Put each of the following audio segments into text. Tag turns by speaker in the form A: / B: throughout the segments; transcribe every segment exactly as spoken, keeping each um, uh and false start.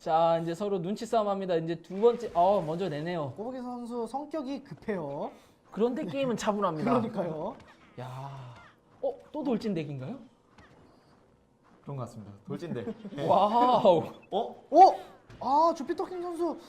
A: 자, 이제 서로 눈치 싸움 합니다. 이제 두 번째, 어, 먼저 내네요.
B: 꼬부기 선수 성격이 급해요.
A: 그런데 게임은 차분합니다.
B: 그러니까요.
A: 야, 어, 또 돌진 덱인가요?
C: 그런 것 같습니다. 돌진대. 네.
A: 와우.
C: 어?
B: 오! 아, 주피터킹 선수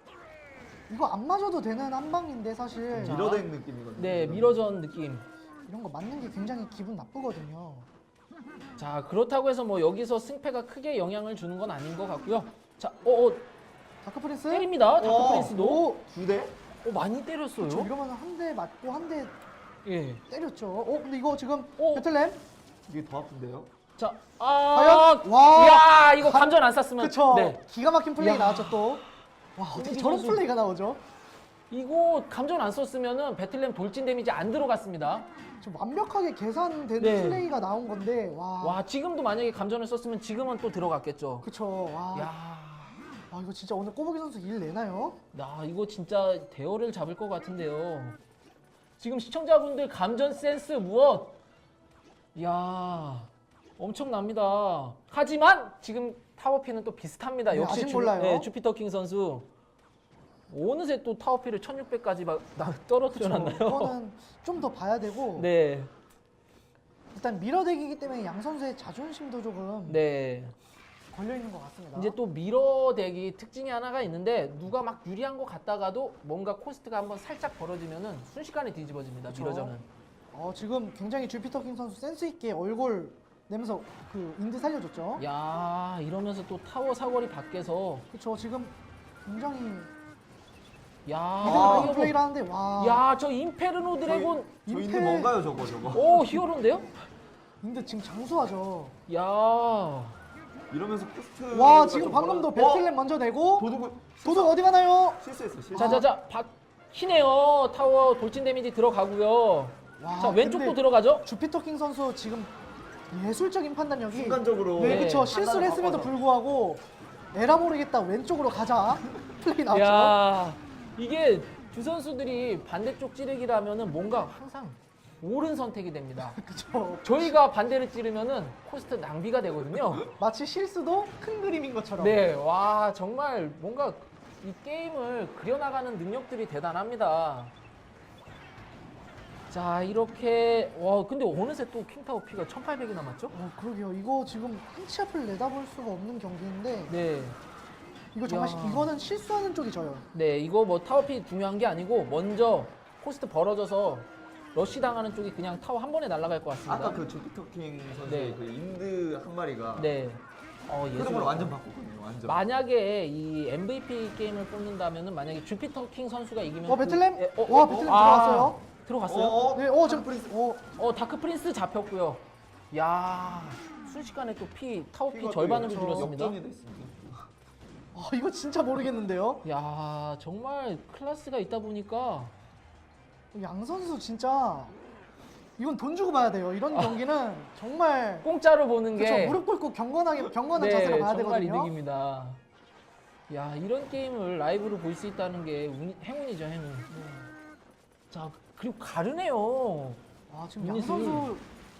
B: 이거 안 맞아도 되는 한 방인데 사실
A: 자.
C: 미러덱 느낌이거든요.
A: 네, 미러전 느낌.
B: 이런 거 맞는 게 굉장히 기분 나쁘거든요.
A: 자, 그렇다고 해서 뭐 여기서 승패가 크게 영향을 주는 건 아닌 것 같고요. 자, 어, 어
B: 다크 프린스
A: 때립니다. 다크
C: 어.
A: 프린스도.
B: 오!
C: 두 대?
A: 어, 많이 때렸어요.
B: 저 이러면 한 대 맞고 한 대
A: 예.
B: 때렸죠. 어, 근데 이거 지금
A: 오.
B: 배틀램
C: 이게 더 아픈데요?
A: 자, 아,
B: 과연? 와!
A: 야, 이거 감전 안 쐈으면.
B: 그쵸?
A: 네.
B: 기가 막힌 플레이
A: 야.
B: 나왔죠 또. 와, 어떻게
A: 꼬부기
B: 저런
A: 선수.
B: 플레이가 나오죠?
A: 이거 감전 안 썼으면은 배틀램 돌진 데미지 안 들어갔습니다.
B: 좀 완벽하게 계산된
A: 네.
B: 플레이가 나온 건데 와.
A: 와, 지금도 만약에 감전을 썼으면 지금은 또 들어갔겠죠.
B: 그쵸. 와.
A: 야,
B: 와, 이거 진짜 오늘 꼬부기 선수 일 내나요?
A: 나 이거 진짜 대어를 잡을 것 같은데요. 지금 시청자분들 감전 센스 무엇? 야, 엄청납니다. 하지만 지금 타워피는 또 비슷합니다.
B: 네,
A: 역시
B: 아직 몰라요.
A: 네, 주피터 킹 선수. 어느새 또 타워피를 천육백까지 막 떨어뜨려 놨나요?
B: 이거는 좀 더 봐야 되고
A: 네,
B: 일단 미러덱이기 때문에 양 선수의 자존심도 조금
A: 네.
B: 걸려 있는 것 같습니다.
A: 이제 또 미러 덱이 특징이 하나가 있는데 누가 막 유리한 것 같다가도 뭔가 코스트가 한번 살짝 벌어지면은 순식간에 뒤집어집니다.
B: 그쵸.
A: 미러전은.
B: 어, 지금 굉장히 주피터킹 선수 센스 있게 얼굴 내면서 그 인드 살려줬죠.
A: 야, 이러면서 또 타워 사거리 밖에서
B: 그렇죠. 지금 굉장히
A: 야,
B: 아,
A: 이거
B: 플레이를 하는데 와.
A: 야, 저 임페르노 드래곤.
C: 저
B: 임페-
C: 있는 뭔가요 저거 저거?
A: 오, 히어로인데요?
B: 인드 지금 장수하죠.
A: 야,
C: 이러면서 코스트.
B: 와, 지금 방금도 배틀램 먼저 내고
C: 도둑을
B: 도둑 어디 가나요?
C: 실수했어 실수.
A: 자, 자, 자, 박히네요. 타워 돌진 데미지 들어가고요.
B: 와,
A: 자, 왼쪽도
B: 근데
A: 들어가죠?
B: 주피터킹 선수 지금 예술적인 판단력이
C: 순간적으로.
B: 네,
A: 네.
B: 그렇죠. 실수를
C: 판단을
B: 했음에도
C: 바꿔서.
B: 불구하고 에라 모르겠다 왼쪽으로 가자 플레이 나왔죠.
A: 야, 이게 두 선수들이 반대쪽 찌르기라면은 뭔가 항상 옳은 선택이 됩니다.
B: 그렇죠.
A: 저희가 반대를 찌르면은 코스트 낭비가 되거든요.
B: 마치 실수도 큰 그림인 것처럼.
A: 네, 와, 정말 뭔가 이 게임을 그려나가는 능력들이 대단합니다. 자, 이렇게, 와, 근데 어느새 또 킹타워 피가 천팔백이 남았죠?
B: 어, 그러게요. 이거 지금 한 치 앞을 내다볼 수가 없는 경기인데
A: 네.
B: 이거 정말
A: 야.
B: 시- 이거는 실수하는 쪽이 져요.
A: 네, 이거 뭐 타워 피 중요한 게 아니고 먼저 코스트 벌어져서 러쉬 당하는 쪽이 그냥 타워 한 번에 날아갈 것 같습니다.
C: 아까 그 주피터킹 선수의
A: 네.
C: 그 인드 한 마리가
A: 네. 어, 예술.
C: 흐름을 완전 바꿨거든요. 완전.
A: 만약에 이 엠브이피 게임을 뽑는다면은 만약에 주피터 킹 선수가 이기면
B: 어, 배틀램?
A: 그- 예, 어,
B: 와,
A: 어,
B: 배틀램
A: 아,
B: 들어갔어요.
A: 들어갔어요?
C: 어, 어,
B: 네, 어, 지금
C: 프린스.
B: 어,
A: 어, 다크 프린스 잡혔고요. 야, 순식간에 또 피 타워 피
C: 피가 또
A: 절반으로
C: 역전-
A: 줄었습니다.
C: 역전이 됐습니다.
B: 아, 이거 진짜 모르겠는데요.
A: 야, 정말 클래스가 있다 보니까
B: 양 선수 진짜 이건 돈 주고 봐야 돼요. 이런 경기는 정말
A: 공짜로 보는 게
B: 그렇죠. 무릎 꿇고 경건하게 경건한 자세로 봐야
A: 정말
B: 되거든요.
A: 이득입니다. 야, 이런 게임을 라이브로 볼 수 있다는 게 운- 행운이죠, 행운.
B: 네.
A: 자, 그리고 가르네요.
B: 아, 지금 양
A: 유닛이-
B: 선수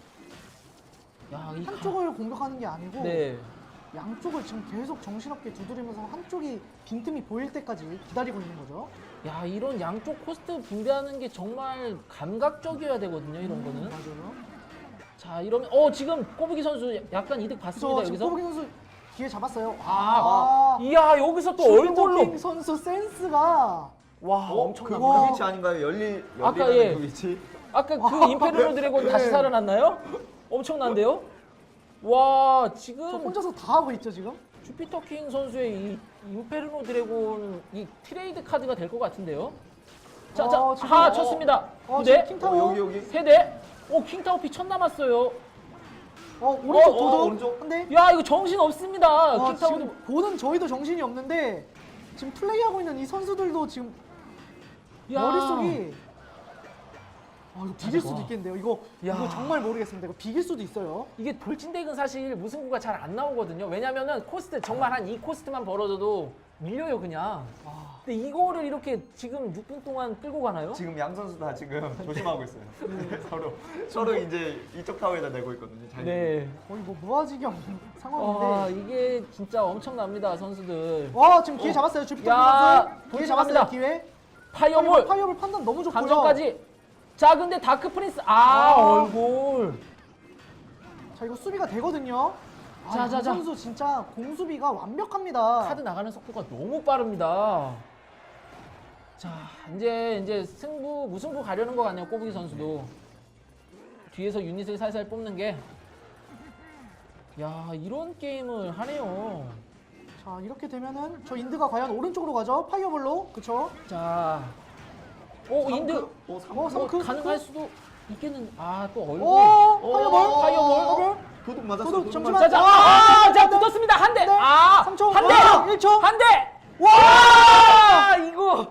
A: 야, 이 가-
B: 한쪽을 공격하는 게 아니고
A: 네.
B: 양쪽을 지금 계속 정신없게 두드리면서 한쪽이 빈틈이 보일 때까지 기다리고 있는 거죠.
A: 야, 이런 양쪽 코스트 분배하는 게 정말 감각적이어야 되거든요, 이런 거는.
B: 맞아요.
A: 자, 이러면 어, 지금 꼬부기 선수 약간 이득 봤습니다,
B: 그래서 지금
A: 여기서.
B: 꼬부기 선수 기회 잡았어요.
A: 아, 이야, 여기서 또 얼굴로.
B: 얼굴로 선수 센스가
A: 와,
C: 어?
A: 엄청납니다.
C: 그, 그 위치 아닌가요? 열리
A: 아까
C: 열리는
A: 예.
C: 그 위치.
A: 아까 그 임페르노 드래곤 다시
B: 네.
A: 살아났나요? 엄청난데요? 와,
B: 저
A: 지금
B: 혼자서 다 하고 있죠 지금.
A: 주피터 킹 선수의 이 임페르노 드래곤 이 트레이드 카드가 될 것 같은데요? 자, 자,
B: 어, 지금-
A: 하
B: 어,
A: 쳤습니다.
B: 어,
A: 두
B: 지금
A: 대,
B: 킹타워.
C: 어, 여기 여기.
A: 세 대. 오, 킹타워 피 천 남았어요.
B: 어, 오른쪽
A: 어,
B: 도둑
C: 오른쪽.
B: 한 대.
A: 야, 이거 정신 없습니다.
B: 아,
A: 킹타워도.
B: 지금 보는 저희도 정신이 없는데 지금 플레이하고 있는 이 선수들도 지금
A: 야.
B: 머릿속이 아, 이거 비길 수도
A: 와.
B: 있겠는데요. 이거
A: 야.
B: 이거 정말 모르겠습니다. 이거 비길 수도 있어요.
A: 이게 돌진덱은 사실 무승부가 잘 안 나오거든요. 왜냐면은 코스트 정말 한 이 코스트만 벌어져도 밀려요 그냥.
B: 아,
A: 근데 이거를 이렇게 지금 육 분 동안 끌고 가나요?
C: 지금 양 선수 다 지금 조심하고 있어요. 서로 서로 이제 이쪽 타워에다 내고 있거든요. 잘
A: 네.
B: 거의 뭐 무아지경
A: 와
B: 상황인데.
A: 이게 진짜 엄청납니다 선수들.
B: 와, 지금 기회
A: 어.
B: 잡았어요. 주피터
A: 야,
B: 선수. 기회
A: 돌진합니다.
B: 잡았어요. 기회.
A: 파이어볼
B: 파이어볼 판단 너무 좋고요.
A: 감정까지. 자 근데 다크 프린스 아,
B: 아.
A: 얼굴.
B: 자, 이거 수비가 되거든요. 아,
A: 자,
B: 이
A: 자, 자.
B: 선수 진짜 공수비가 완벽합니다.
A: 카드 나가는 속도가 너무 빠릅니다. 자 이제 이제 승부 무승부 가려는 것 같네요 꼬부기 선수도. 뒤에서 유닛을 살살 뽑는 게. 야 이런 게임을 하네요.
B: 자, 이렇게 되면은 저 인드가 과연 오른쪽으로 가죠? 파이어볼로. 그쵸?
A: 자, 오 인드
C: 오,
B: 어,
A: 뭐
B: 삼크,
A: 가능할
B: 삼크?
A: 수도 있겠는. 아 또 얼굴.
B: 오,
C: 오,
B: 파이어볼.
A: 파이어볼.
C: 도둑 맞았어.
B: 도둑,
C: 도둑
B: 잠시만.
C: 맞았어.
A: 자, 자,
B: 아,
A: 아, 자
B: 네.
A: 붙었습니다 한 대.
B: 네.
A: 아,
B: 삼 초.
A: 한 대.
B: 와, 일 초.
A: 한 대.
B: 와!
A: 아, 이거